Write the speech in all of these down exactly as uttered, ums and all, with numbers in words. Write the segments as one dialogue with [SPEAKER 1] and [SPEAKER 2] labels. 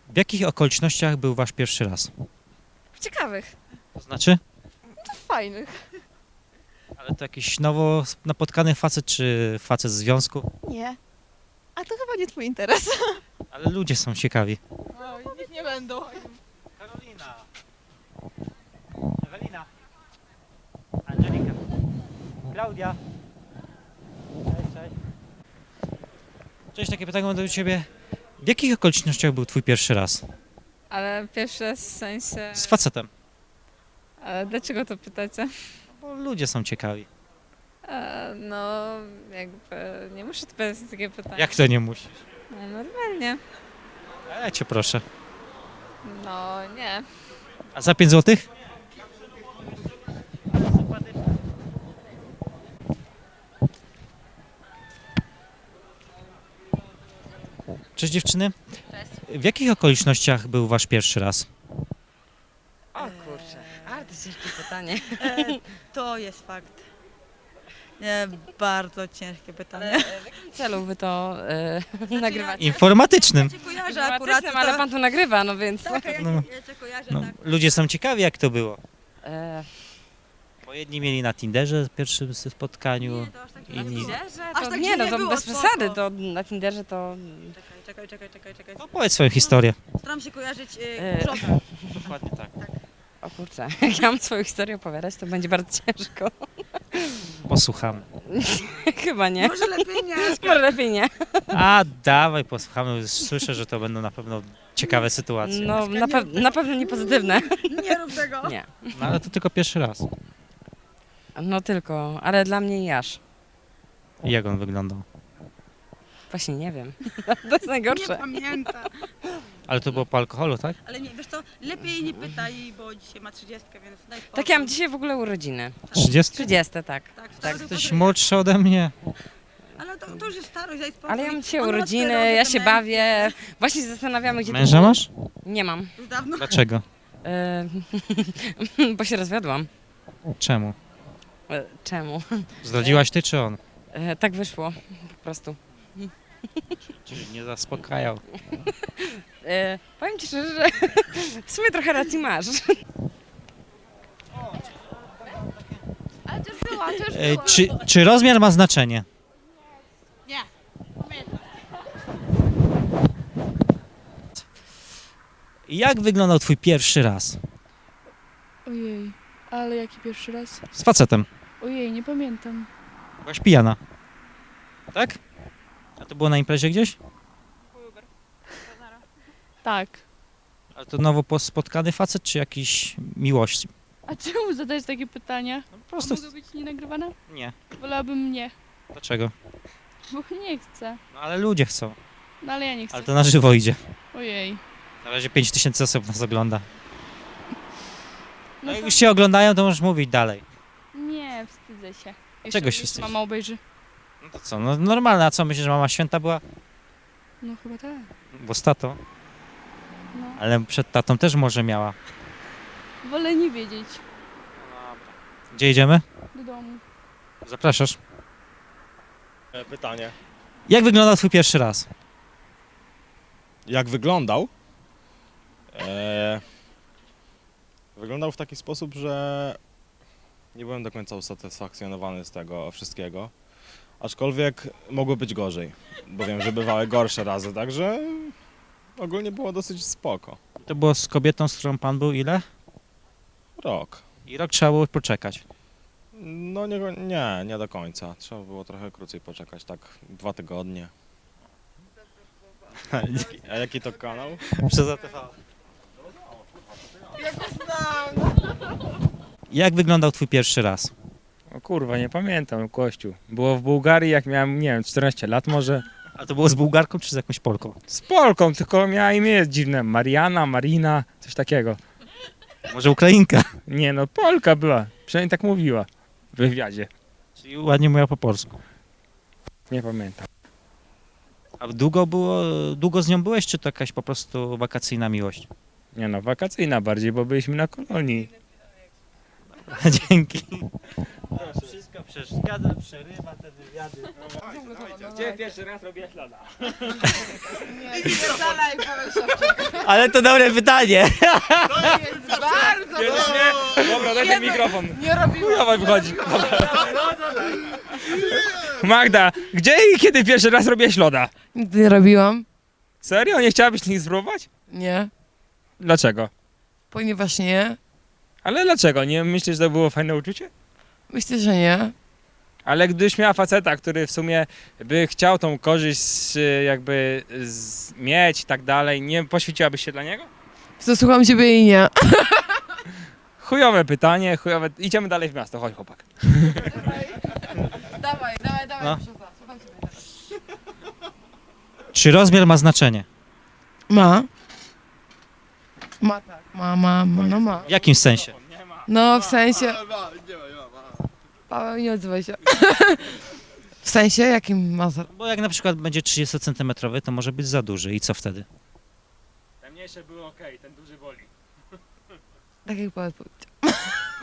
[SPEAKER 1] W jakich okolicznościach był wasz pierwszy raz?
[SPEAKER 2] W ciekawych.
[SPEAKER 1] To znaczy?
[SPEAKER 2] Fajnych.
[SPEAKER 1] Ale to jakiś nowo napotkany facet, czy facet z związku?
[SPEAKER 2] Nie. A to chyba nie twój interes.
[SPEAKER 1] Ale ludzie są ciekawi.
[SPEAKER 2] Oj, niech nie będą.
[SPEAKER 1] Karolina. Ewelina. Angelika. Klaudia. Cześć, cześć. Cześć, takie pytanie mam do ciebie. W jakich okolicznościach był twój pierwszy raz?
[SPEAKER 3] Ale pierwszy raz w sensie...
[SPEAKER 1] Z facetem.
[SPEAKER 3] Ale dlaczego to pytacie?
[SPEAKER 1] Bo ludzie są ciekawi.
[SPEAKER 3] E, no, jakby nie muszę odpowiadać na takie pytania.
[SPEAKER 1] Jak to nie musisz?
[SPEAKER 3] No, normalnie.
[SPEAKER 1] A ja cię proszę.
[SPEAKER 3] No, nie.
[SPEAKER 1] A za pięć złotych? Cześć dziewczyny. W jakich okolicznościach był wasz pierwszy raz?
[SPEAKER 4] O kurczę, bardzo ciężkie pytanie.
[SPEAKER 5] E, to jest fakt. Nie, bardzo ciężkie pytanie.
[SPEAKER 4] Ale w jakim celu wy to e, nagrywacie?
[SPEAKER 1] Informatycznym.
[SPEAKER 5] Ja cię kojarzę akurat.
[SPEAKER 4] Informatycznym, ale pan tu nagrywa, no więc...
[SPEAKER 5] Tak, ja,
[SPEAKER 1] No.
[SPEAKER 5] ja cię kojarzę,
[SPEAKER 1] No,
[SPEAKER 5] tak.
[SPEAKER 1] ludzie są ciekawi jak to było.
[SPEAKER 4] E,
[SPEAKER 1] Bo jedni mieli na Tinderze w pierwszym spotkaniu.
[SPEAKER 5] Nie, to aż tak
[SPEAKER 1] I
[SPEAKER 5] nie
[SPEAKER 1] nie-
[SPEAKER 5] było.
[SPEAKER 4] Tinderze?
[SPEAKER 5] Aż
[SPEAKER 4] To,
[SPEAKER 5] tak
[SPEAKER 4] nie,
[SPEAKER 5] źle
[SPEAKER 4] no
[SPEAKER 5] nie
[SPEAKER 4] to
[SPEAKER 5] było,
[SPEAKER 4] bez
[SPEAKER 5] spoko.
[SPEAKER 4] przesady, to na Tinderze to...
[SPEAKER 5] Czekaj, czekaj, czekaj, czekaj, czekaj.
[SPEAKER 1] No powiedz swoją historię.
[SPEAKER 5] Staram się kojarzyć y,
[SPEAKER 4] E,
[SPEAKER 5] grzocha.
[SPEAKER 1] Dokładnie tak.
[SPEAKER 4] O kurczę, jak ja mam swoją historię opowiadać, to będzie bardzo ciężko.
[SPEAKER 1] Posłuchamy.
[SPEAKER 4] Chyba nie.
[SPEAKER 5] Może lepiej nie.
[SPEAKER 4] Może lepiej nie.
[SPEAKER 1] A dawaj, posłuchamy. Słyszę, że to będą na pewno ciekawe sytuacje.
[SPEAKER 4] No, na, pe- na pewno nie pozytywne.
[SPEAKER 5] Nie rób tego.
[SPEAKER 4] Nie.
[SPEAKER 1] No ale to tylko pierwszy raz.
[SPEAKER 4] No tylko, ale dla mnie i aż.
[SPEAKER 1] I jak on wyglądał?
[SPEAKER 4] Właśnie nie wiem. To jest
[SPEAKER 5] Nie
[SPEAKER 4] najgorsze.
[SPEAKER 5] pamiętam.
[SPEAKER 1] Ale to było po alkoholu, tak?
[SPEAKER 5] Ale nie, wiesz co, lepiej nie pytaj, bo dzisiaj ma trzydziestkę, więc daj spokój.
[SPEAKER 4] Tak, ja mam dzisiaj w ogóle urodziny.
[SPEAKER 1] trzydzieści?
[SPEAKER 4] trzydzieste, tak.
[SPEAKER 5] Tak,
[SPEAKER 1] Tak,
[SPEAKER 5] tak
[SPEAKER 1] jesteś młodszy ode mnie.
[SPEAKER 5] Ale to, to już jest starość, daj spokój.
[SPEAKER 4] Ale ja mam dzisiaj
[SPEAKER 5] On ma
[SPEAKER 4] urodziny,
[SPEAKER 5] cztery
[SPEAKER 4] ja
[SPEAKER 5] roki
[SPEAKER 4] się
[SPEAKER 5] demencji.
[SPEAKER 4] bawię. Właśnie się zastanawiamy, gdzie... to
[SPEAKER 1] Męża
[SPEAKER 4] było.
[SPEAKER 1] masz?
[SPEAKER 4] Nie mam.
[SPEAKER 5] Już dawno.
[SPEAKER 1] Dlaczego?
[SPEAKER 4] E, bo się rozwiodłam.
[SPEAKER 1] Czemu?
[SPEAKER 4] E, czemu?
[SPEAKER 1] Zdradziłaś ty czy on?
[SPEAKER 4] E, tak wyszło, po prostu.
[SPEAKER 1] Czyli nie zaspokajał.
[SPEAKER 4] E, powiem ci szczerze, że w sumie trochę racji masz.
[SPEAKER 3] Ale to już była, to już
[SPEAKER 1] E,
[SPEAKER 3] była.
[SPEAKER 1] czy, czy rozmiar ma znaczenie?
[SPEAKER 5] Nie.
[SPEAKER 1] Jak wyglądał twój pierwszy raz?
[SPEAKER 6] Ojej, ale jaki pierwszy raz?
[SPEAKER 1] Z facetem.
[SPEAKER 6] Ojej, nie pamiętam.
[SPEAKER 1] Byłaś pijana. Tak? A to było na imprezie gdzieś?
[SPEAKER 6] Tak.
[SPEAKER 1] Ale to nowo pos- spotkany facet, czy jakiś miłość?
[SPEAKER 6] A czemu zadajesz takie pytania?
[SPEAKER 1] No po
[SPEAKER 6] A
[SPEAKER 1] prostu...
[SPEAKER 6] mogę być nienagrywana?
[SPEAKER 1] Nie.
[SPEAKER 6] Wolałabym nie,
[SPEAKER 1] Dlaczego?
[SPEAKER 6] bo nie chcę.
[SPEAKER 1] No ale ludzie chcą.
[SPEAKER 6] No ale ja nie chcę.
[SPEAKER 1] Ale to na żywo idzie.
[SPEAKER 6] Ojej.
[SPEAKER 1] Na razie pięć tysięcy osób nas ogląda. No
[SPEAKER 6] No
[SPEAKER 1] jak
[SPEAKER 6] to
[SPEAKER 1] już się oglądają, to możesz mówić dalej.
[SPEAKER 6] nie, wstydzę się. Jeszcze,
[SPEAKER 1] Czego się
[SPEAKER 6] jeszcze
[SPEAKER 1] wstydzisz?
[SPEAKER 6] mama obejrzy.
[SPEAKER 1] No to co, no normalne, a co myślisz, że mama święta była?
[SPEAKER 6] No chyba tak.
[SPEAKER 1] Bo z tatą.
[SPEAKER 6] No.
[SPEAKER 1] Ale przed tatą też może miała.
[SPEAKER 6] Wolę nie wiedzieć.
[SPEAKER 1] Gdzie idziemy?
[SPEAKER 6] Do domu.
[SPEAKER 1] Zapraszasz.
[SPEAKER 7] E, Pytanie.
[SPEAKER 1] Jak wyglądał twój pierwszy raz?
[SPEAKER 7] Jak wyglądał? E, wyglądał w taki sposób, że nie byłem do końca usatysfakcjonowany z tego wszystkiego. Aczkolwiek mogło być gorzej, bo wiem, że bywały gorsze razy, także ogólnie było dosyć spoko.
[SPEAKER 1] To było z kobietą, z którą pan był ile?
[SPEAKER 7] Rok.
[SPEAKER 1] I rok trzeba było poczekać.
[SPEAKER 7] No nie, nie, nie do końca. Trzeba było trochę krócej poczekać, tak dwa tygodnie. A jaki to kanał?
[SPEAKER 1] Przez A T V. Jak wyglądał twój pierwszy raz?
[SPEAKER 8] O kurwa, nie pamiętam, Kościół. Było w Bułgarii, jak miałem, nie wiem, czternaście lat może.
[SPEAKER 1] A to było z Bułgarką czy z jakąś Polką?
[SPEAKER 8] Z Polką, tylko miała imię dziwne. Mariana, Marina, coś takiego.
[SPEAKER 1] Może Ukrainka?
[SPEAKER 8] Nie no, Polka była. Przynajmniej tak mówiła w wywiadzie.
[SPEAKER 1] Czyli ładnie mówiła po polsku.
[SPEAKER 8] Nie pamiętam.
[SPEAKER 1] A długo było, długo z nią byłeś, czy to jakaś po prostu wakacyjna miłość?
[SPEAKER 8] Nie no, wakacyjna bardziej, bo byliśmy na kolonii.
[SPEAKER 1] Dzięki. Wszystko przeszkadza, przerywa te wywiady.
[SPEAKER 8] Gdzie pierwszy raz robię ślada?
[SPEAKER 5] Nie, nie dalej,
[SPEAKER 1] Ale to dobre pytanie.
[SPEAKER 2] Bardzo
[SPEAKER 8] Bierzesz mnie? Dobra, daj ten mikrofon.
[SPEAKER 2] Nie robiłam.
[SPEAKER 8] Dawaj, wychodzi. Magda, gdzie i kiedy pierwszy raz robiłeś loda?
[SPEAKER 6] Nigdy nie robiłam.
[SPEAKER 8] Serio? Nie chciałabyś nic spróbować?
[SPEAKER 6] Nie.
[SPEAKER 8] Dlaczego?
[SPEAKER 6] Ponieważ nie.
[SPEAKER 8] Ale dlaczego? Nie myślisz, że to było fajne uczucie?
[SPEAKER 6] Myślę, że nie.
[SPEAKER 8] Ale gdybyś miała faceta, który w sumie by chciał tą korzyść y, jakby z, mieć i tak dalej, nie poświęciłabyś się dla niego?
[SPEAKER 6] Zasłucham ciebie i nie.
[SPEAKER 8] Chujowe pytanie, chujowe... Idziemy dalej w miasto, chodź chłopak.
[SPEAKER 6] Dawaj, dawaj, dawaj.
[SPEAKER 1] No.
[SPEAKER 6] Słucham ciebie.
[SPEAKER 1] Czy rozmiar ma znaczenie?
[SPEAKER 6] Ma. Ma tak. Ma, ma, ma, no ma.
[SPEAKER 1] W jakim sensie?
[SPEAKER 6] No w sensie... Paweł, nie odzywaj się. W sensie jakim ma... za-
[SPEAKER 1] Bo jak na przykład będzie trzydzieści centymetrów, to może być za duży i co wtedy?
[SPEAKER 8] Te mniejsze były ok, ten duży boli.
[SPEAKER 6] Tak jak Paweł powiedział.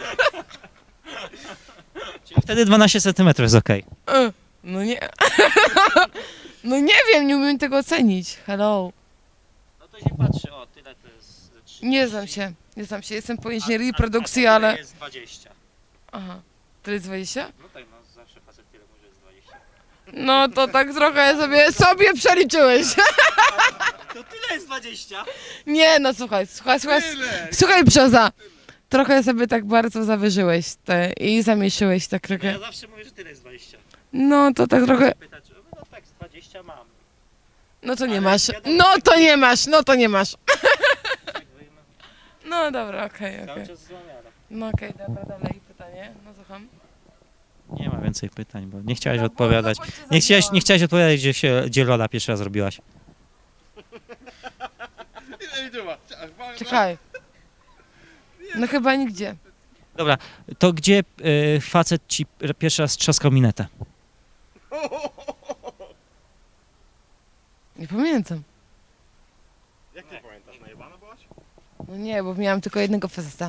[SPEAKER 1] Czyli wtedy dwanaście centymetrów jest okej.
[SPEAKER 6] E, No nie. No nie wiem, nie umiem tego ocenić. Hello.
[SPEAKER 1] No to się patrzy, o tyle to jest...
[SPEAKER 6] Nie znam się. Nie znam się. Jestem po inżynierii produkcji, ale...
[SPEAKER 1] jest dwadzieścia.
[SPEAKER 6] Aha. Tyle jest dwadzieścia?
[SPEAKER 1] No tak, no zawsze facet tyle może jest dwadzieścia.
[SPEAKER 6] No to tak trochę sobie, sobie przeliczyłeś.
[SPEAKER 1] To tyle jest dwadzieścia.
[SPEAKER 6] Nie, no słuchaj, słuchaj, słuchaj, słuchaj Brzoza. Trochę sobie tak bardzo zawyżyłeś te i zamieszyłeś tak trochę.
[SPEAKER 1] Ja zawsze mówię, że tyle jest dwadzieścia.
[SPEAKER 6] No to tak trochę,
[SPEAKER 1] Pytać, no tak, z dwadzieścia mam.
[SPEAKER 6] no to nie
[SPEAKER 1] Ale
[SPEAKER 6] masz.
[SPEAKER 1] wiadomo,
[SPEAKER 6] No to nie masz, no to nie masz.
[SPEAKER 1] Tak wyjmę.
[SPEAKER 6] No dobra, okej, okej.
[SPEAKER 1] Cały czas złamiara.
[SPEAKER 6] No okej, dobra, dalej pytanie. No słucham.
[SPEAKER 1] Nie ma więcej pytań, bo nie chciałeś odpowiadać. Nie chciałeś, nie chciałeś odpowiadać, gdzie się, gdzie loda pierwszy raz robiłaś.
[SPEAKER 6] Czekaj. No chyba nigdzie.
[SPEAKER 1] Dobra, to gdzie y, facet ci pierwszy raz trzaskał minetę?
[SPEAKER 6] Nie pamiętam.
[SPEAKER 7] Jak ty pamiętasz, najebana byłaś?
[SPEAKER 6] No nie, bo miałam tylko jednego faceta.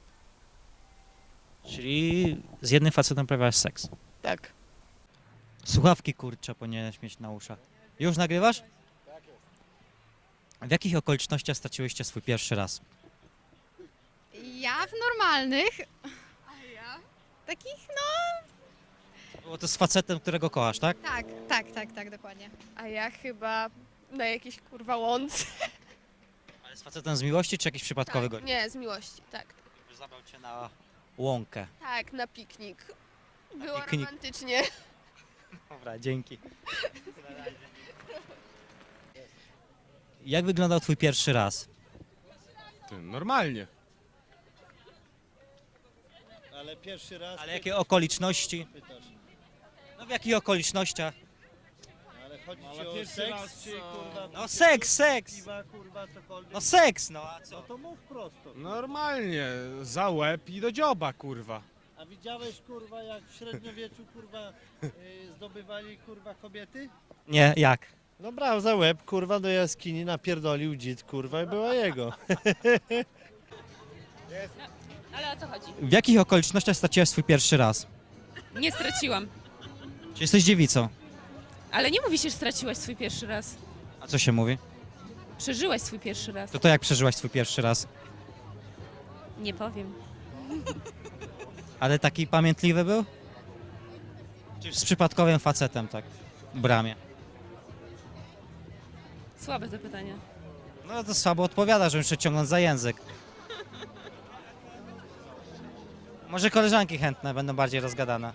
[SPEAKER 1] Czyli z jednym facetem uprawiałaś seks.
[SPEAKER 6] Tak.
[SPEAKER 1] Słuchawki kurcze powinieneś mieć na uszach. Już nagrywasz? Tak jest. W jakich okolicznościach straciłyście swój pierwszy raz?
[SPEAKER 3] Ja w normalnych. A ja? Takich, no
[SPEAKER 1] Było to z facetem, którego kochasz, tak?
[SPEAKER 3] tak, tak, tak, tak, dokładnie.
[SPEAKER 2] A ja chyba na jakiejś kurwa łące.
[SPEAKER 1] Ale z facetem z miłości, czy jakiś przypadkowy
[SPEAKER 2] Tak,
[SPEAKER 1] gość?
[SPEAKER 2] nie, z miłości, tak.
[SPEAKER 1] Zabrał cię na łąkę.
[SPEAKER 2] Tak, na piknik. Było
[SPEAKER 1] piknik.
[SPEAKER 2] romantycznie.
[SPEAKER 1] Dobra, dzięki. Jak wyglądał twój pierwszy raz?
[SPEAKER 7] Ty, normalnie.
[SPEAKER 9] Ale pierwszy raz
[SPEAKER 1] Ale jakie okoliczności?
[SPEAKER 9] pytasz.
[SPEAKER 1] No w jakich okolicznościach?
[SPEAKER 9] Ale chodzi
[SPEAKER 7] Ale
[SPEAKER 9] ci o
[SPEAKER 7] pierwszy
[SPEAKER 9] seks,
[SPEAKER 7] raz,
[SPEAKER 9] czy kurwa...
[SPEAKER 1] No seks, seks!
[SPEAKER 9] Piwa, kurwa, cokolwiek.
[SPEAKER 1] No seks, no a
[SPEAKER 9] No
[SPEAKER 1] co?
[SPEAKER 9] to mów prosto.
[SPEAKER 7] Normalnie, za łeb i do dzioba, kurwa.
[SPEAKER 9] A widziałeś, kurwa, jak w średniowieczu, kurwa, y, zdobywali, kurwa, kobiety?
[SPEAKER 1] Nie, jak?
[SPEAKER 9] No brał za łeb, kurwa, do jaskini, napierdolił dzid, kurwa, i była jego.
[SPEAKER 4] Ale o co chodzi?
[SPEAKER 1] W jakich okolicznościach straciłaś swój pierwszy raz?
[SPEAKER 4] Nie straciłam.
[SPEAKER 1] Czy jesteś dziewicą?
[SPEAKER 4] Ale nie mówi się, że straciłaś swój pierwszy raz.
[SPEAKER 1] A co się mówi?
[SPEAKER 4] Przeżyłaś swój pierwszy raz.
[SPEAKER 1] To to jak przeżyłaś swój pierwszy raz?
[SPEAKER 4] Nie powiem.
[SPEAKER 1] Ale taki pamiętliwy był? Czy z przypadkowym facetem, tak? W bramie.
[SPEAKER 4] Słabe to pytanie.
[SPEAKER 1] No to słabo odpowiada, że muszę ciągnąć za język. Może koleżanki chętne będą bardziej rozgadane.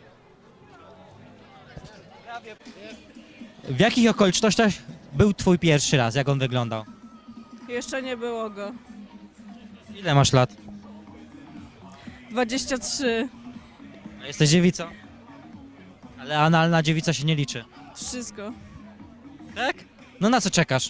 [SPEAKER 1] W jakich okolicznościach był twój pierwszy raz? Jak on wyglądał?
[SPEAKER 10] Jeszcze nie było go.
[SPEAKER 1] Ile masz lat?
[SPEAKER 10] dwadzieścia trzy.
[SPEAKER 1] A jesteś dziewicą? Ale analna dziewica się nie liczy.
[SPEAKER 10] Wszystko.
[SPEAKER 1] Tak? No na co czekasz?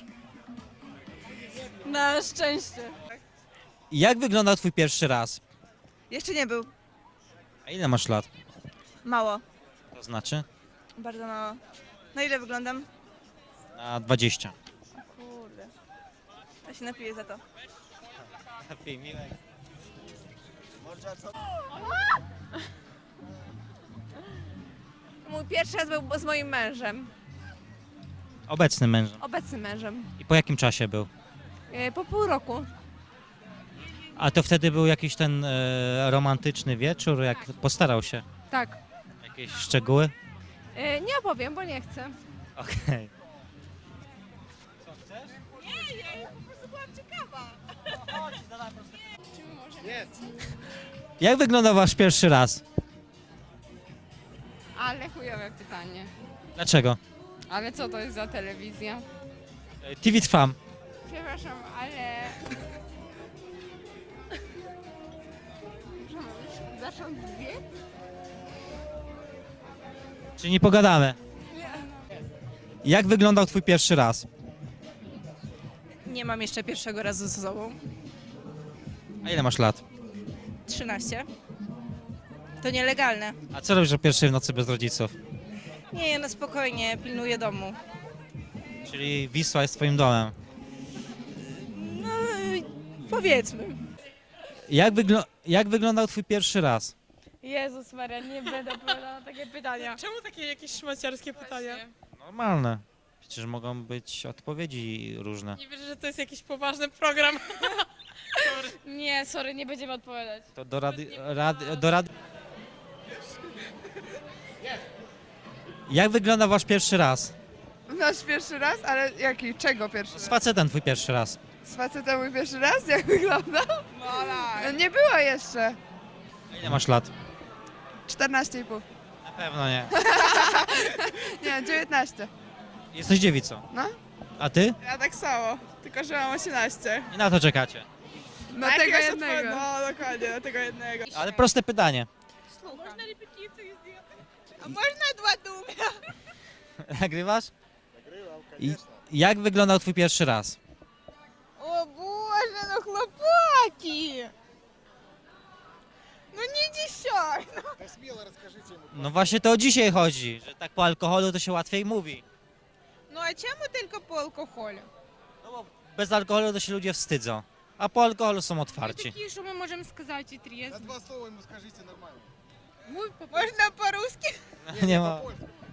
[SPEAKER 10] Na szczęście.
[SPEAKER 1] Jak wyglądał twój pierwszy raz?
[SPEAKER 5] Jeszcze nie był.
[SPEAKER 1] A ile masz lat?
[SPEAKER 5] Mało.
[SPEAKER 1] To znaczy?
[SPEAKER 5] Bardzo mało. Na ile wyglądam?
[SPEAKER 1] Na dwadzieścia.
[SPEAKER 5] Kurde. Ja się napiję za to.
[SPEAKER 1] Lepiej, miłek.
[SPEAKER 2] Mój pierwszy raz był z moim mężem.
[SPEAKER 1] Obecnym mężem.
[SPEAKER 2] Obecnym mężem.
[SPEAKER 1] I po jakim czasie był?
[SPEAKER 2] E, po pół roku.
[SPEAKER 1] A to wtedy był jakiś ten e, romantyczny wieczór, jak postarał się?
[SPEAKER 2] Tak.
[SPEAKER 1] Jakieś szczegóły?
[SPEAKER 2] E, nie opowiem, bo nie chcę.
[SPEAKER 1] Okej. Jak wyglądał wasz pierwszy raz?
[SPEAKER 3] Ale chujowe pytanie.
[SPEAKER 1] Dlaczego?
[SPEAKER 3] Ale co to jest za telewizja?
[SPEAKER 1] E, T V Trwam.
[SPEAKER 3] Przepraszam, ale... Zacząć biec?
[SPEAKER 1] Czy nie pogadamy? Jak wyglądał twój pierwszy raz?
[SPEAKER 10] Nie mam jeszcze pierwszego razu ze sobą.
[SPEAKER 1] A ile masz lat?
[SPEAKER 10] trzynaście. To nielegalne.
[SPEAKER 1] A co robisz o pierwszej w nocy bez rodziców?
[SPEAKER 10] Nie, no spokojnie, pilnuję domu.
[SPEAKER 1] Czyli Wisła jest twoim domem.
[SPEAKER 10] No, powiedzmy.
[SPEAKER 1] Jak, wygl- jak wyglądał twój pierwszy raz?
[SPEAKER 2] Jezus Maria, nie będę odpowiadała na takie pytania.
[SPEAKER 4] Czemu takie jakieś szmaciarskie pytania?
[SPEAKER 1] Normalne. Przecież mogą być odpowiedzi różne.
[SPEAKER 4] Nie wierzę, że to jest jakiś poważny program.
[SPEAKER 2] Nie, sorry, nie będziemy odpowiadać.
[SPEAKER 1] To do rady... rady do rady... Jak wygląda wasz pierwszy raz?
[SPEAKER 6] Nasz pierwszy raz? Ale jaki? Czego pierwszy
[SPEAKER 1] Z facetem twój pierwszy raz.
[SPEAKER 6] Z facetem mój pierwszy raz? Jak wyglądał? No nie było jeszcze.
[SPEAKER 1] A ile masz lat?
[SPEAKER 6] czternaście i pół.
[SPEAKER 1] Na pewno nie.
[SPEAKER 6] Nie, dziewiętnaście.
[SPEAKER 1] Jesteś dziewicą.
[SPEAKER 6] No.
[SPEAKER 1] A ty?
[SPEAKER 6] Ja tak samo, tylko że mam osiemnaście.
[SPEAKER 1] I na to czekacie.
[SPEAKER 6] Na tego jednego. No dokładnie, na tego jednego.
[SPEAKER 1] Ale proste pytanie.
[SPEAKER 6] A można dwa dumy?
[SPEAKER 1] Nagrywasz? I jak wyglądał twój pierwszy raz?
[SPEAKER 6] O Boże, no chłopaki! No nie dzisiaj!
[SPEAKER 1] No właśnie to o dzisiaj chodzi, że tak po alkoholu to się łatwiej mówi.
[SPEAKER 6] No a czemu tylko po alkoholu?
[SPEAKER 1] No bo bez alkoholu to się ludzie wstydzą, a po alkoholu są otwarci.
[SPEAKER 3] Такі, що ми можемо сказати трезво.
[SPEAKER 9] Два слова ему скажите нормально.
[SPEAKER 6] Można po ruski?
[SPEAKER 1] Nie ma.